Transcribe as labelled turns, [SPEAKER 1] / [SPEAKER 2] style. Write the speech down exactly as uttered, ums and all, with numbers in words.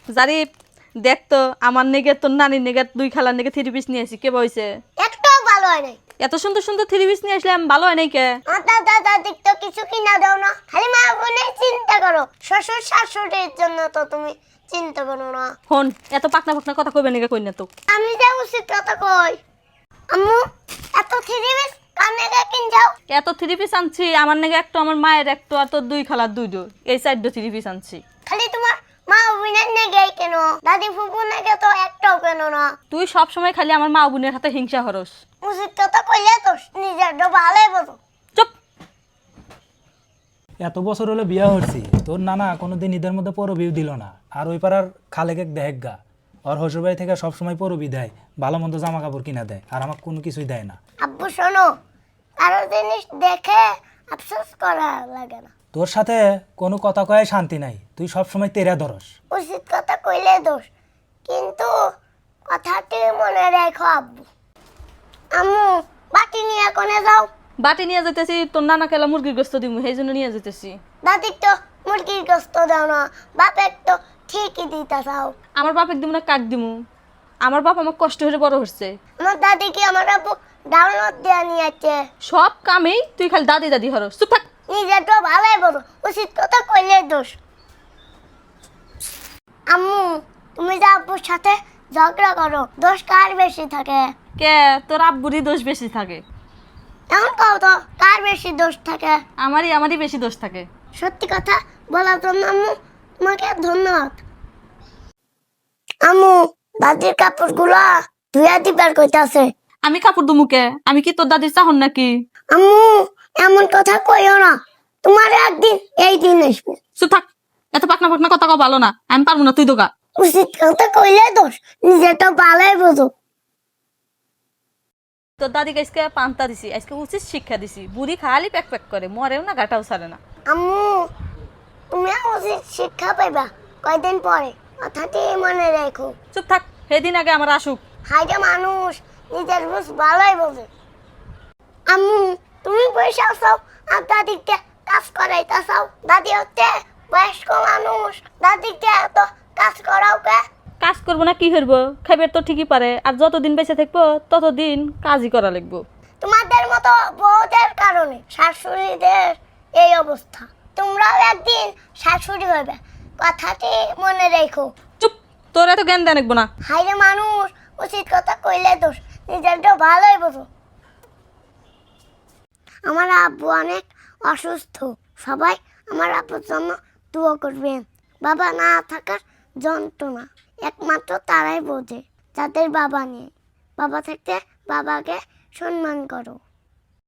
[SPEAKER 1] জারিফ দেখ তো আমার নেগে তোর নানির নেগে দুই খালার নেগে থ্রি পিস নিয়ে আসি কে বইছে
[SPEAKER 2] একটাও ভালো হয় নাই।
[SPEAKER 1] এত সুন্দর সুন্দর থ্রি পিস নিয়ে আসলাম ভালো হয় নাই কে
[SPEAKER 2] আমার দাদা দাদির তো কিছু কিনা দাও না, খালি মা বোনের চিন্তা করো। শ্বশুর শাশুড়ির জন্য তো তুমি চিন্তা করো না।
[SPEAKER 1] হন এত পাকনা পাকনা কথা কইবে নেগে কই না তো
[SPEAKER 2] আমি যা উচিত কথা কই। আম্মু এত থ্রি পিস কানে গে কিন যাও।
[SPEAKER 1] এত থ্রি পিস আনছি আমার নেগে একটা আমার মায়ের একটা আর তোর দুই খালার দুই দো এই চারটো থ্রি পিস আনছি
[SPEAKER 2] খালি তোমার মা বোনের নেগে কেন, দাদি ফুফু নেগে তো একটাও কেন না।
[SPEAKER 1] তুই সব সময় খালি আমার মা বোনের হাতে হিংসা হরস
[SPEAKER 2] উচিত কথা কইলে তো নিজের তো ভালোই বোঝো।
[SPEAKER 1] চুপ
[SPEAKER 3] এত বছর হলো বিয়া হচ্ছি, তোর নানা কোনোদিন ঈদের মধ্যে পরবিও দিল না। আর ওই পাড়ার খালেকে দেখ গা, ওর শ্বশুরবাড়ি থেকে সবসময় পরবি দেয়, ভালো মন্দ জামা কাপড় কিনা দেয়, আর আমাকে কোনো কিছুই দেয় না।
[SPEAKER 2] আব্বু শোনো, কারো জিনিস দেখে আফসোস করা লাগে না।
[SPEAKER 3] তোর সাথে কোনো কথা কয়ে শান্তি নাই, তুই সবসময় তেরা ধরস।
[SPEAKER 2] উচিত কথা কইলে দোষ, কিন্তু কথাটি মনে রেখো আব্বু। আম্মু বাটি নিয়ে কোনে যাও।
[SPEAKER 1] বাটি নিয়ে যেতেছি তোর নানা কেলা মুরগির গোস্ত দিমু সেই জন্য নিয়ে যেতেছি
[SPEAKER 2] দাদির তো মুরগির গোস্ত দাও না, বাপের তো ঠিকই দিতে চাও।
[SPEAKER 1] আমার বাপের দিমু না কাক দিমু আমার বাপ আমার কষ্ট হয়ে বড় হচ্ছে
[SPEAKER 2] আমার দাদি কি আমার আব্বু ডাউনলোড দেওয়া নিয়েছে।
[SPEAKER 1] সব কামেই তুই খালি দাদি দাদি হরস চুপ থাক
[SPEAKER 2] নিজের তো ভালোই বলো, উচিত কথা কইলে দোষ। আম্মু তুমি যে আব্বুর সাথে ঝগড়া করো, দোষ কার বেশি থাকে?
[SPEAKER 1] কে তোর আব্বুরই দোষ বেশি থাকে
[SPEAKER 2] এমন কও তো, কার বেশি দোষ থাকে?
[SPEAKER 1] আমারই আমারই বেশি দোষ থাকে
[SPEAKER 2] সত্যি কথা বলার জন্য আম্মু তোমাকে ধন্যবাদ। আম্মু দাদির কাপড়গুলা ধুয়া দিবার কইতাছে।
[SPEAKER 1] আমি কাপড় দুমুকে আমি কি তোর দাদির চাহন নাকি
[SPEAKER 2] আম্মু এমন কথা কইও না, তোমার একদিন এই দিন আসবে।
[SPEAKER 1] চুপ থাক এত পাকনা পাকনা কথা কও ভালো না আমি পারবো না তুই দোকা
[SPEAKER 2] উচিত কথা কইলে দোষ, নিজেটা ভালোই বোঝো।
[SPEAKER 1] তোর দাদিকে আজকে পান্তা দিছি আজকে উচিত শিক্ষা দিছি বুড়ি খালি প্যাক প্যাক করে মরেও না গাটাও ছাড়ে না
[SPEAKER 2] আম্মু তুমি উচিত শিক্ষা পাইবা কয়দিন পরে, কথাটি মনে রেখো।
[SPEAKER 1] চুপ থাক সেদিন আগে আমার আসুক
[SPEAKER 2] হাইটা মানুষ নিজের বুঝ ভালোই বোঝে। আম্মু তুমি পয়সা চাও আর দাদিকে কাজ করাইতে চাও। দাদি হচ্ছে বয়স্ক মানুষ, দাদিকে এত কাজ করাও কে?
[SPEAKER 1] কাজ করবো না কি করবো খাইবার তো ঠিকই পারে আর যতদিন বেঁচে থাকবো ততদিন কাজই করা লাগবো
[SPEAKER 2] তোমাদের মতো বউদের কারণে শাশুড়িদের এই অবস্থা। তোমরাও একদিন শাশুড়ি হবে, কথাটি মনে রেখো।
[SPEAKER 1] চুপ তোর এত জ্ঞান দেন না
[SPEAKER 2] হাইরে মানুষ উচিত কথা কইলে দোষ, নিজের তো ভালোই বোঝো। আমার আব্বু অনেক অসুস্থ, সবাই আমার আব্বুর জন্য দোয়া করবেন। বাবা না থাকার যন্ত্রণা একমাত্র তারাই বোঝে যাদের বাবা নেই। বাবা থাকতে বাবাকে সম্মান করো।